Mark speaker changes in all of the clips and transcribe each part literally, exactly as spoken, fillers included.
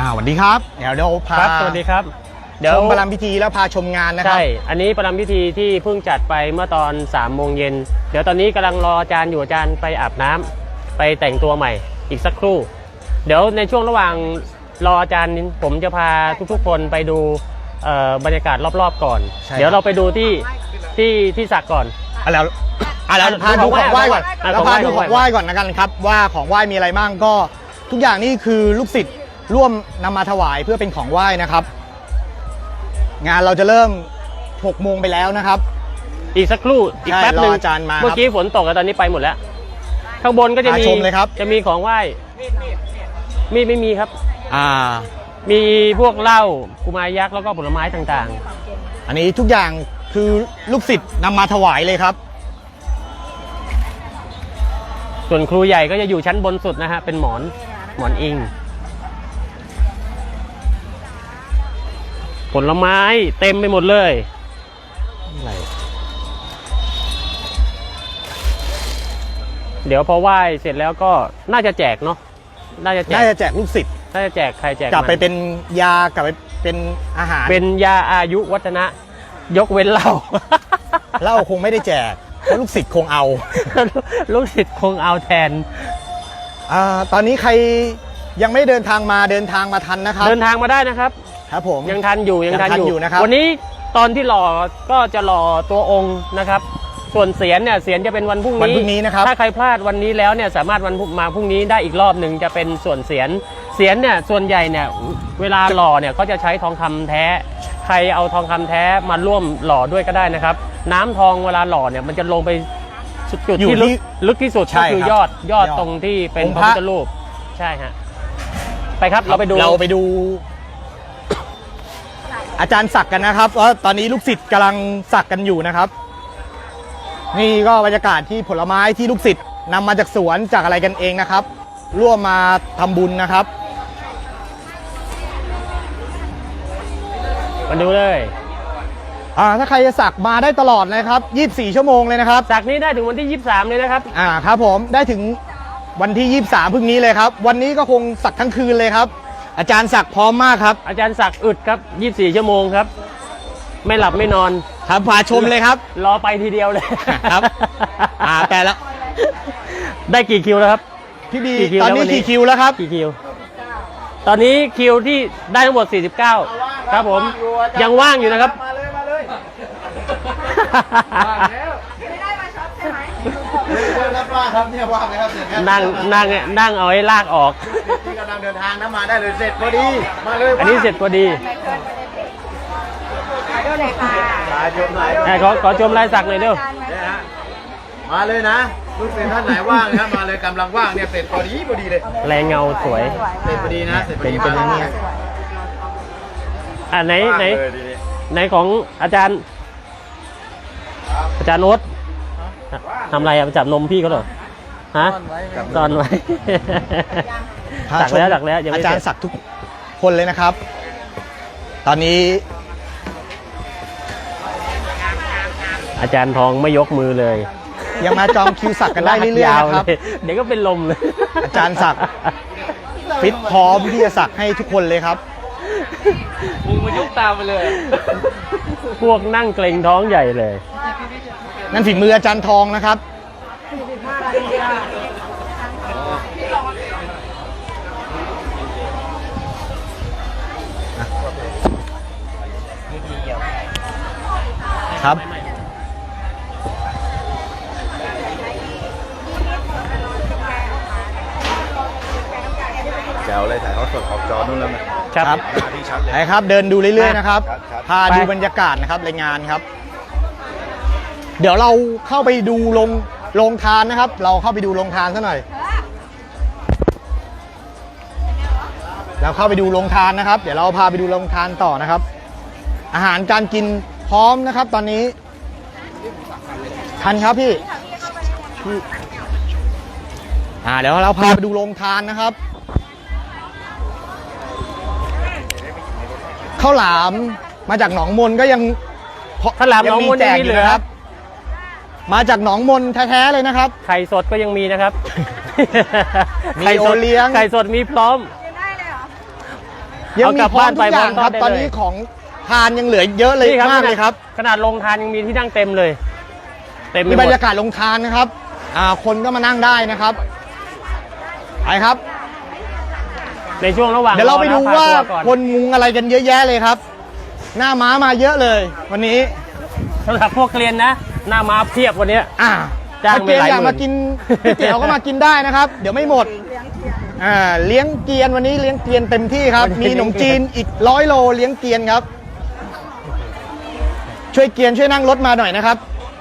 Speaker 1: สวัสดีครับเดี๋ยวเราพา
Speaker 2: ครับสวัสดีครับเดี๋ยว
Speaker 1: ชมประรำพิธีแล้วพาชมงานนะครับ
Speaker 2: ใช่อันนี้ประรำพิธีที่เพิ่งจัดไปเมื่อตอนสามโมงเย็นเดี๋ยวตอนนี้กำลังรออาจารย์อยู่อาจารย์ไปอาบน้ำไปแต่งตัวใหม่อีกสักครู่เดี๋ยวในช่วงระหว่างรออาจารย์ผมจะพาทุกๆคนไปดูบรรยากาศรอบๆก่อนเดี๋ยวเราไปดูที่ที่ที่สักก่อน
Speaker 1: อ่ะแล้วอ่ะแล้วพาดูของไหว้ก่อนแล้วพาดูของไหว้ก่อนนะกันครับว่าของไหว้มีอะไรบ้างก็ทุกอย่างนี่คือลูกศิษย์ร่วมนำมาถวายเพื่อเป็นของไหว้นะครับงานเราจะเริ่มหกโมงไปแล้วนะครับ
Speaker 2: อีกสักครู่อีกแป๊บนึง
Speaker 1: อาจารย์มา
Speaker 2: เมื่อกี้ฝนตกแล้วตอนนี้ไปหมดแล้วข้างบนก็จะมีจะมีของไหว้มีไม่มีครับ
Speaker 1: อ่า
Speaker 2: มีพวกเหล้ากุมารยักษ์แล้วก็ผลไม้ต่าง
Speaker 1: ๆอันนี้ทุกอย่างคือลูกศิษย์นำมาถวายเลยครับ
Speaker 2: ส่วนครูใหญ่ก็จะอยู่ชั้นบนสุดนะฮะเป็นหมอนหมอนอิงผลไม้เต็มไปหมดเลยอะไรเดี๋ยวพอไหว้เสร็จแล้วก็น่าจะแจกเนาะน่าจะแจก
Speaker 1: น่าจะแจกลูกศิษย์
Speaker 2: น่าจะแจกใครแจก
Speaker 1: กลับไปเป็นยากลับไปเป็นอาหาร
Speaker 2: เป็นยาอายุวัฒนะยกเว้นเหล้า
Speaker 1: เหล้าคงไม่ได้แจกเพราะลูกศิษย์คงเอา
Speaker 2: ลูกศิษย์คงเอาแทน
Speaker 1: อ่าตอนนี้ใครยังไม่เดินทางมาเดินทางมาทันนะครับ
Speaker 2: เดินทางมาได้นะครับ
Speaker 1: ครับผม
Speaker 2: ยังทันอยู่ยังทันอยู่
Speaker 1: นะครับ
Speaker 2: วันนี้ตอนที่หล่อก็จะหล่อตัวองค์นะครับส่วนเสียนเนี่ยเสียนจะเป็นวันพรุ่งนี้
Speaker 1: วันพรุ่งนี้นะครับ
Speaker 2: ถ้าใครพลาดวันนี้แล้วเนี่ยสามารถวันมาพรุ่งนี้ได้อีกรอบหนึ่งจะเป็นส่วนเสียนเสียนเนี่ยส่วนใหญ่เนี่ยเวลาหล่อเนี่ยเขาจะใช้ทองคำแท้ใครเอาทองคำแท้มาร่วมหล่อด้วยก็ได้นะครับน้ำทองเวลาหล่อเนี่ยมันจะลงไปจุดที่ลึกที่สุดก็คือยอดยอดตรงที่เป็นพระพุทธรูปใช่ฮะไปครับเราไปดู
Speaker 1: เราไปดูอาจารย์สักกันนะครับว่าตอนนี้ลูกศิษย์กำลังสักกันอยู่นะครับนี่ก็บรรยากาศที่ผลไม้ที่ลูกศิษย์นำมาจากสวนจากอะไรกันเองนะครับร่วมมาทำบุญนะครับ
Speaker 2: มาดูเลย
Speaker 1: อ่าถ้าใครจะสักมาได้ตลอดนะครับยี่สิบสี่ชั่วโมงเลยนะครับ
Speaker 2: สักนี้ได้ถึงวันที่ยี่สิบสามเลยนะครับ
Speaker 1: อ่าครับผมได้ถึงวันที่ยี่สิบสามพรุ่งนี้เลยครับวันนี้ก็คงสักทั้งคืนเลยครับอาจารย์สักพร้อมมากครับ
Speaker 2: อาจารย์สักอึดครับยี่สิบสี่ชั่วโมงครับไม่หลับไม่นอน
Speaker 1: ครับพาชมเลยครับ
Speaker 2: รอไปทีเดียวเลย
Speaker 1: ครับอ่าแต่ละ
Speaker 2: ได้กี่คิวแล้วครับ
Speaker 1: พี่บีตอนนี้กี่คิวแล้วครับ
Speaker 2: กี่คิวตอนนี้คิวที่ได้ทั้งหมดสี่สิบเก้าครับผมยังว่างอยู่นะครับ
Speaker 1: มาเลยมาเลยไม่ได้มาช็อปใช่ไหมว่างครับเนี่ยว่างเลยครับ
Speaker 2: นั่งนั่งนั่งเอาให้ลากออก
Speaker 1: ที่กำลังเดินทางนะมาได้เลยเสร็จพอดีมาเลย
Speaker 2: อันนี้เสร็จพอดีขอขอชมลายสักหน่อยเด้อ
Speaker 1: มาเลยนะลูกศิษย์ท่านไหนว่างนะมาเลยกำลังว่างเนี่ยเสร็จพอดีพอดีเลย
Speaker 2: แรงเงาสวย
Speaker 1: เสร็จพอดีนะเสร็จพอดีเป็นอย่างนี้
Speaker 2: อ่าไหนไหนไหนของอาจารย์อาจารย์โน้ตทำอะไรอ่ะจับนมพี่เขาเหรอฮะซ่อนไว้สักแล้วสักแล้ว
Speaker 1: อาจารย์สักทุกคนเลยนะครับตอนนี้
Speaker 2: อาจารย์ทองไม่ยกมือเลย
Speaker 1: ยังมาจองคิวสักกันได้เรื่อยๆนะครับ
Speaker 2: เดี๋ยวก็เป็นลมเลย
Speaker 1: อาจารย์สักฟิตพร้อมที่จะสักให้ทุกคนเลยครับ
Speaker 2: มึงมายกตามไปเลยพวกนั่งเกรงท้องใหญ่เลย
Speaker 1: นั่นฝีมืออาจารย์ทองนะครับครับ
Speaker 3: แจ๋วเลยถ่ายทอดสดออกจอนู่นแล้ว
Speaker 1: นะครับใช่ครับเดินดูเรื่อยๆนะครับพาดูบรรยากาศนะครับรายงานครับเดี๋ยวเราเข้าไปดูโรงโรงทานนะครับเราเข้าไปดูโรงทานซะหน่อยเราเข้าไปดูโรงทานนะครับเดี๋ยวเราพาไปดูโรงทานต่อนะครับอาหารการกินพร้อมนะครับตอนนี้ทันครับพี่อ่าเดี๋ยวเราพาไปดูโรงทานนะครับข้าวหลามมาจากหนองมนก็ยัง
Speaker 2: ข้าวหลามหนองมนยังมีเหลือครับ
Speaker 1: มาจากหนองมนแท้ๆเลยนะครับ
Speaker 2: ไข่สดก็ยังมีนะครับ
Speaker 1: มีโอเลี้ยง
Speaker 2: ไข่สดมีพร้อม
Speaker 1: ยัง
Speaker 2: เอา
Speaker 1: มี
Speaker 2: กลับ
Speaker 1: พร้อ
Speaker 2: บ้าม น
Speaker 1: ทุ
Speaker 2: ไป
Speaker 1: กอย่าง
Speaker 2: พร้อม
Speaker 1: ครับ
Speaker 2: ทอดได้
Speaker 1: ตอน
Speaker 2: เลย
Speaker 1: นี้ของทานยังเหลือเยอะเลย
Speaker 2: นี่ครับ
Speaker 1: มากเลยครับ
Speaker 2: ขนาดลงทานยังมีที่นั่งเต็มเลย เต็มไป
Speaker 1: มี
Speaker 2: หม
Speaker 1: บร
Speaker 2: ด
Speaker 1: รยากาศลงทานนะครับอ่าคนก็มานั่งได้นะครับไปครับ
Speaker 2: ในช่วงระหว่าง
Speaker 1: เดี๋ยวเราไปดู
Speaker 2: อนะ
Speaker 1: ว่า
Speaker 2: พตัวก่อน
Speaker 1: คนมุงอะไรกันเยอะแยะเลยครับ หน้าม้ามาเยอะเลย วันนี้
Speaker 2: สำหรับพวกเกลียนนะ หน้ามาเพียบวันเนี้ย
Speaker 1: อ่า
Speaker 2: จ้าง
Speaker 1: ถ้าเกลียน
Speaker 2: ไปหลาย
Speaker 1: อยาก
Speaker 2: หมื่
Speaker 1: มาน กินก๋วยเตี๋ยวก็มากินได้นะครับ เดี๋ยวไม่หมดอ่าเลี้ยงเกลียนวันนี้เลี้ยงเกลียนเต็มที่ครับ มีขนมจีนอีกร้อยโลเลี้ยงเกลียนครับ ช่วยเกลียนช่วยนั่งรถมาหน่อยนะครับ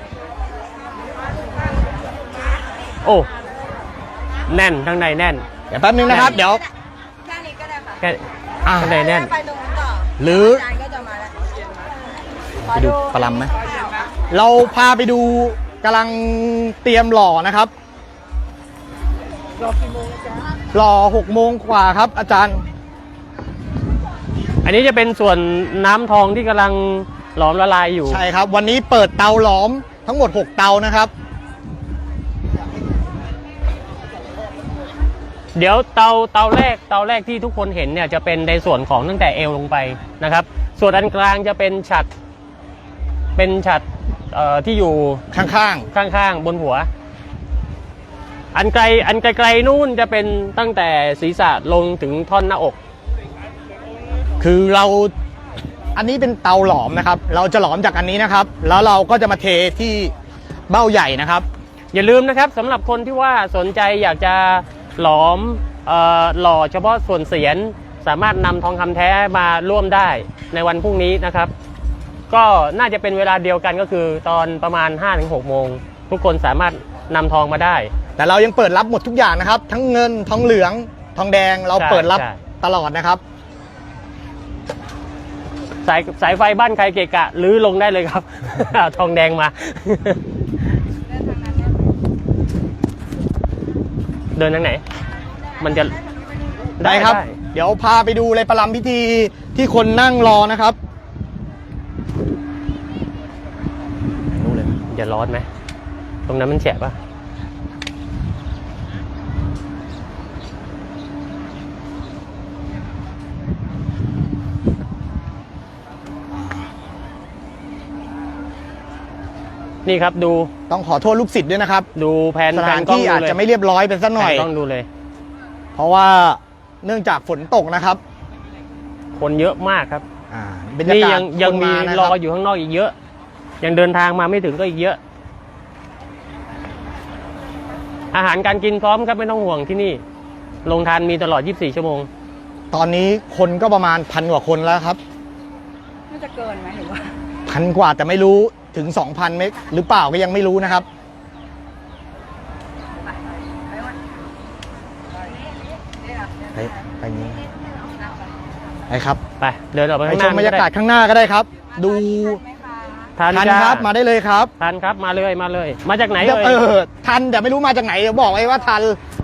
Speaker 2: โอ้แน่นข้างในแน่น
Speaker 1: เดี๋ยวแป๊บนึงนะครับ เดี๋ยว
Speaker 4: แค่นี้ก็ได้ค่ะ
Speaker 2: แค่
Speaker 1: อ่า
Speaker 2: ข้างในแน่น
Speaker 4: ไปตรงนู้นต่อ
Speaker 1: หรือ
Speaker 4: จานก็จะมาแล้ว
Speaker 1: ไปดูปลาลำไหมเราพาไปดูกำลังเตรียมหล่อนะครับหล่อหกโมงกว่าครับ อาจารย์
Speaker 2: อันนี้จะเป็นส่วนน้ำทองที่กำลังหลอมละลายอยู่
Speaker 1: ใช่ครับ วันนี้เปิดเตาหลอมทั้งหมดหกเตานะครับ
Speaker 2: เดี๋ยวเตาเตาแรกเตาแรกที่ทุกคนเห็นเนี่ยจะเป็นในส่วนของตั้งแต่เอวลงไปนะครับ ส่วนอันกลางจะเป็นฉัดเป็นฉัดเอ่อที่อยู่
Speaker 1: ข้าง
Speaker 2: ข้างๆบนหัว อันไกลอันไกลๆนู่นจะเป็นตั้งแต่ศีรษะลงถึงท่อนหน้าอก
Speaker 1: ๆ คือเราอันนี้เป็นเตาหลอมนะครับ เราจะหลอมจากอันนี้นะครับ แล้วเราก็จะมาเทที่เบ้าใหญ่นะครับ
Speaker 2: อย่าลืมนะครับสำหรับคนที่ว่าสนใจอยากจะหลอมเอ่อหล่อเฉพาะส่วนเสียนสามารถนำทองคำแท้มาร่วมได้ในวันพรุ่งนี้นะครับ ก็น่าจะเป็นเวลาเดียวกันก็คือตอนประมาณ ห้าถึงหก โมงทุกคนสามารถนำทองมาได้
Speaker 1: แต่เรายังเปิดรับหมดทุกอย่างนะครับ ทั้งเงินทองเหลืองทองแดงเรา
Speaker 2: ใช่
Speaker 1: เปิดรับ
Speaker 2: ใช่
Speaker 1: ตลอดนะครับ
Speaker 2: สายสายไฟบ้านใครเกะกะรื้อลงได้เลยครับ เอาทองแดงมา เดินทางไหน มันจะ
Speaker 1: ได้ครับ เดี๋ยวพาไปดูเลยประลำพิธีที่คนนั่งรอนะครับรู้เลย
Speaker 2: จะร้อนไหมตรงนั้นมันแฉะปะนี่ครับดู
Speaker 1: ต้องขอโทษลูกศิษย์ด้วยนะครับ
Speaker 2: ดูแผน
Speaker 1: สถาน
Speaker 2: แผกล้ง
Speaker 1: ที่อาจ
Speaker 2: ดูเลย
Speaker 1: จะไม่เรียบร้อยเป็นสักหน่อย
Speaker 2: แผกล้องดูเลย
Speaker 1: เพราะว่าเนื่องจากฝนตกนะครับ
Speaker 2: คนเยอะมากครับ
Speaker 1: อ่าบรรยา
Speaker 2: นี่
Speaker 1: กาศ
Speaker 2: ยังยัง
Speaker 1: คน
Speaker 2: มี
Speaker 1: นะ
Speaker 2: ร
Speaker 1: ค
Speaker 2: อบ อยู่ข้างนอกอีกเยอะ ยังเดินทางมาไม่ถึงก็อีกเยอะ อาหารการกินพร้อมครับไม่ต้องห่วงที่นี่โรงทานมีตลอด ยี่สิบสี่ ชั่วโมง
Speaker 1: ตอนนี้คนก็ประมาณพันกว่าคนแล้วครับ
Speaker 4: น่าจะเกินไหมหรือว่า
Speaker 1: พันกว่าแต่ไม่รู้ถึง สองพัน เมตรหรือเปล่าก็ยังไม่รู้นะครับ ไปไปนี้ไปครับ
Speaker 2: ไปเดินออกไป
Speaker 1: ไป
Speaker 2: ข้างห
Speaker 1: ช
Speaker 2: น้าม
Speaker 1: บรรยากาศข้างหน้าก็ได้ครับ ดู
Speaker 2: ทัน
Speaker 1: ทัน
Speaker 2: จ้า
Speaker 1: ครับมาได้เลยครับ
Speaker 2: ทันครับมาเลยมาเลย มาจากไหน
Speaker 1: เดี๋ยว
Speaker 2: เอ่
Speaker 1: เอย อทันแต่ไม่รู้มาจากไหนเดี๋ยวบอกไว้ว่าทัน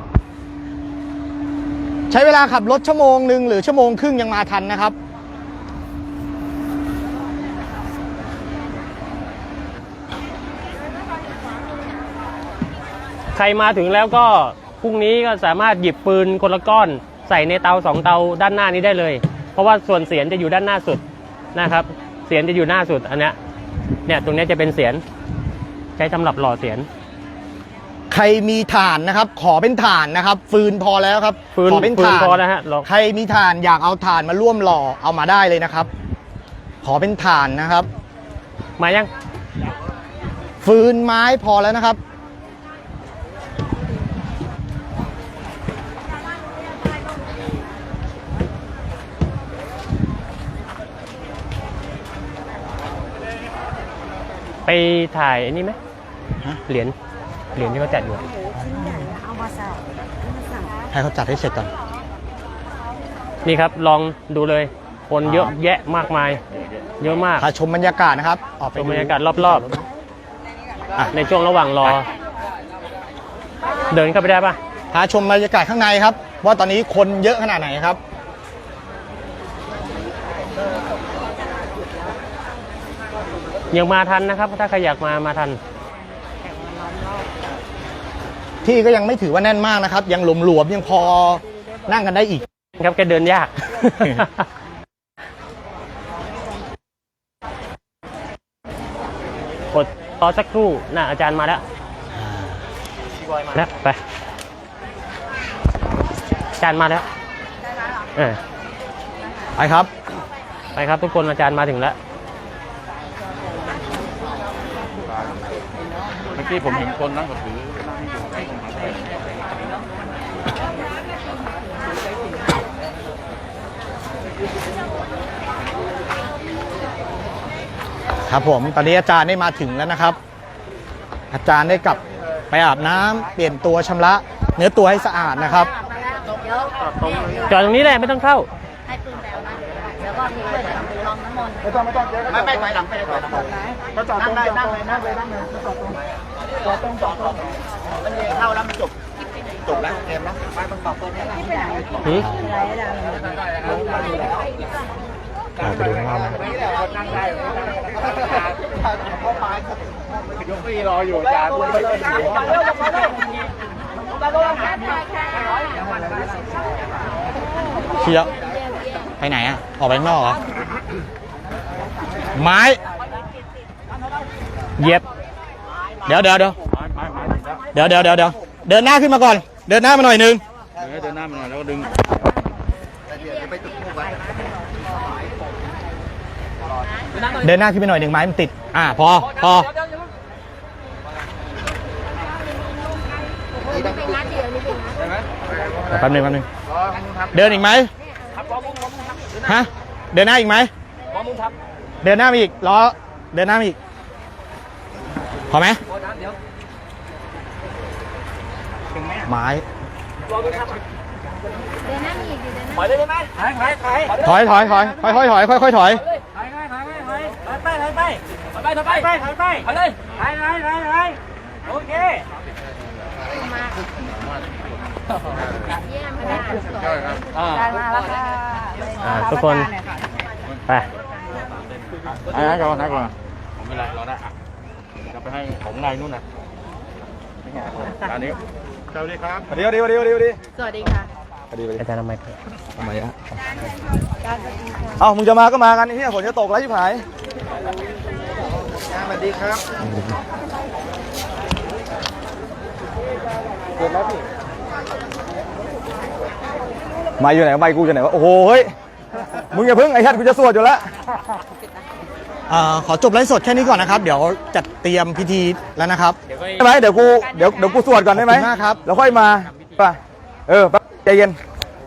Speaker 1: ใช้เวลาขับรถชั่วโมงหนึ่งหรือชั่วโมงครึ่งยังมาทันนะครับ
Speaker 2: ใครมาถึงแล้วก็พรุ่งนี้ก็สามารถหยิบปืนคนละก้อนใส่ในเตาสองเตาด้านหน้านี้ได้เลย เพราะว่าส่วนเสียนจะอยู่ด้านหน้าสุดนะครับ เสียนจะอยู่หน้าสุดอันเนี้ยเนี่ยตรงเนี้ยจะเป็นเสียนใช้สำหรับหล่อเสียน
Speaker 1: ใครมีถ่านนะครับ ขอเป็นถ่านนะครับ ฟืนพอแล้วครับ
Speaker 2: ฟืน
Speaker 1: ขอเป็น
Speaker 2: ฟืน
Speaker 1: ถ่าน
Speaker 2: พอแล้วฮะลอง
Speaker 1: ใครมีถ่านอยากเอาถ่านมาร่วมหล่อเอามาได้เลยนะครับ ขอเป็นถ่านนะครับ
Speaker 2: มายัง
Speaker 1: ฟืนไม้พอแล้วนะครับ
Speaker 2: ไปถ่ายอันนี้ไหม
Speaker 1: ฮะ
Speaker 2: เหรียญเหรียญที่เขาจัดอยู่
Speaker 4: เอามาใส่มาใส่
Speaker 1: ให้เขาจัดให้เสร็จก่อน
Speaker 2: นี่ครับลองดูเลย คนเยอะแยะมากมาย เยอะมาก
Speaker 1: พาชมบรรยากาศนะครับ ออกไป
Speaker 2: ชม
Speaker 1: ดู
Speaker 2: บรรยากาศรอบ
Speaker 1: อ่ะ
Speaker 2: ๆ ในช่วงระหว่างรอ เดินเข้าไปได้ปะ
Speaker 1: พาชมบรรยากาศข้างในครับ ว่าตอนนี้คนเยอะขนาดไหนครับ
Speaker 2: ยังมาทันนะครับ ถ้าใครอยากมามาทัน
Speaker 1: ที่ก็ยังไม่ถือว่าแน่นมากนะครับ ยังหลวมๆยังพอนั่งกันได้อีก
Speaker 2: ครับแกเดินยากกดรอสักครู่น่ะอาจารย์มาแล้วมาแล้วไปอาจารย์มาแล้วเออ
Speaker 1: ไปครับ
Speaker 2: ไปครับทุกคนอาจารย์มาถึงแล้ว
Speaker 3: เมื่อกี้ผมเห็นคนนั่งก็ถือนั่งอยู่ให้ผมหาไป
Speaker 1: ครับผมตอนนี้อาจารย์ได้มาถึงแล้วนะครับ อาจารย์ได้กลับไปอาบน้ำเปลี่ยนตัวชำระเนื้อตัวให้สะอาดนะครับ
Speaker 2: จอดตรงนี้แหละไม่ต้องเข้า
Speaker 4: ให้ปืนแล้วนะเดี๋ยวก็มีเพื่อนลองน้ำมนต์
Speaker 3: ไม่ต้องไม่ต้องเจ๊ไม่ไม่ไปหลังไปหลังก็จอดตรงนั่งเลยนั่งเลยนั่งเลยจอดตรงจอดตรงจอดตรงมันเเข้าแล้วมันจบจบแล้วเกมแล้วไปมันต่อตัวนี้
Speaker 4: ที่ไปไหน
Speaker 2: หืม
Speaker 1: อ่าไปดูข้างนอกนะ
Speaker 3: นั่งได้เข้าไปยกพี่รออยู่อาจารย์ไม่ได้
Speaker 1: เชียวไปไหนอ่ะ ออกไปข้างนอกเหรอ ไม้
Speaker 2: เหย็บ
Speaker 1: เดี๋ยวเดี๋ยวเดี๋ยวเดี๋ยวเดี๋ยวเดี๋ยวเดี๋ยวเดินหน้าขึ้นมาก่อน เดินหน้ามาหน่อยนึง
Speaker 3: เดินหน้ามาหน่อยแล้วก็ดึง
Speaker 1: เดินหน้าขึ้นไปหน่อยหนึ่งไม้มันติด อ่าพอพอแป๊บนึงแป๊บนึงเดินอีกไหมฮะเดินหน้าอีกไหมเดินหน้ามาอีกล้อเดินหน้ามาอีกพอไหมไม้ถอยเลยได้ไหมถอยถอยถอยถอยถอยถอยค่อยค่อยถอย
Speaker 2: ไปไปไปไปไปไปไปไปไปเลยไปไปไปไปโอเค
Speaker 4: ได้มาแล้วค่ะ
Speaker 2: อ่าทุกคนไป
Speaker 3: ไอ้ก่อนนะก่อนผมไม่ไรรอได้อ่ะจะไปให้ผมไงนู่นนะอันนี้สวัสดีครับสวัสดีสวัสดีสวัสดีสวัสดี
Speaker 4: สวัสดีค่ะ
Speaker 3: สวัสดีสวัสดี
Speaker 2: อาจารย์ทำไม
Speaker 3: ทำไมอ่ะ
Speaker 4: การสวัสดีค่ะ
Speaker 3: เอ้ามึงจะมาก็มากันไอ้ที่ฝนจะตกแล้วชิบหายสวัสดีครับเกิดแล้วพี่ไม้อยู่ไหนไม้กูอยู่ไหนวะโอ้โหเฮ้ยมึงอย่าเพิ่งไอ้ชัดกูจะสวดอยู่แล้ว
Speaker 1: อ่าขอจบไลฟ์สดแค่นี้ก่อนนะครับ เดี๋ยวจัดเตรียมพิธีแล้วนะครับ
Speaker 3: ได้ไหมเดี๋ยวกูเดี๋ยวเดี๋ยวกูสวดก่อนได้ไหม
Speaker 1: ขอบคุณมากครับ
Speaker 3: แล้วค่อยมาไปเออแป๊บใจเย็น